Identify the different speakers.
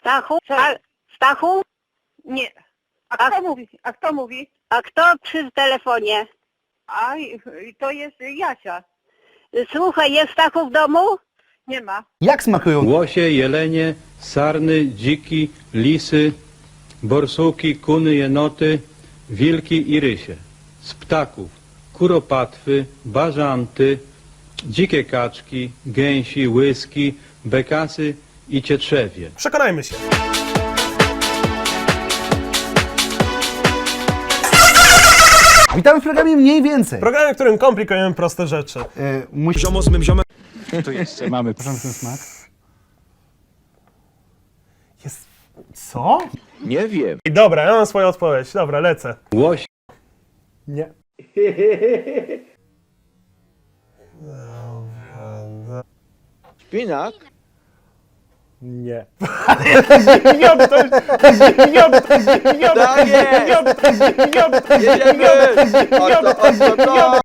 Speaker 1: Stachu? Stachu?
Speaker 2: Nie. A kto mówi? A kto mówi?
Speaker 1: A kto przy telefonie?
Speaker 2: To jest Jasia.
Speaker 1: Słuchaj, jest Stachu w domu?
Speaker 2: Nie ma.
Speaker 3: Jak smakują?
Speaker 4: Łosie, jelenie, sarny, dziki, lisy, borsuki, kuny, jenoty, wilki i rysie. Z ptaków kuropatwy, bażanty, dzikie kaczki, gęsi, łyski, bekasy i cietrzewie.
Speaker 5: Przekonajmy się.
Speaker 3: Witamy w programie Mniej Więcej.
Speaker 5: Programie, w którym komplikujemy proste rzeczy.
Speaker 3: Ziomo z mym ziomem. Tu jeszcze mamy porządny smak.
Speaker 5: Jest... Co?
Speaker 6: Nie wiem.
Speaker 5: I dobra, ja mam swoją odpowiedź. Dobra, lecę.
Speaker 4: Łoś,
Speaker 5: Nie.
Speaker 6: Szpinak?
Speaker 5: Nie. Zdziwiony ktoś! Zdziwiony ktoś! Zdziwiony
Speaker 6: Tak jest!
Speaker 5: ktoś! Zdziwiony ktoś!
Speaker 6: Jedziemy! Oto,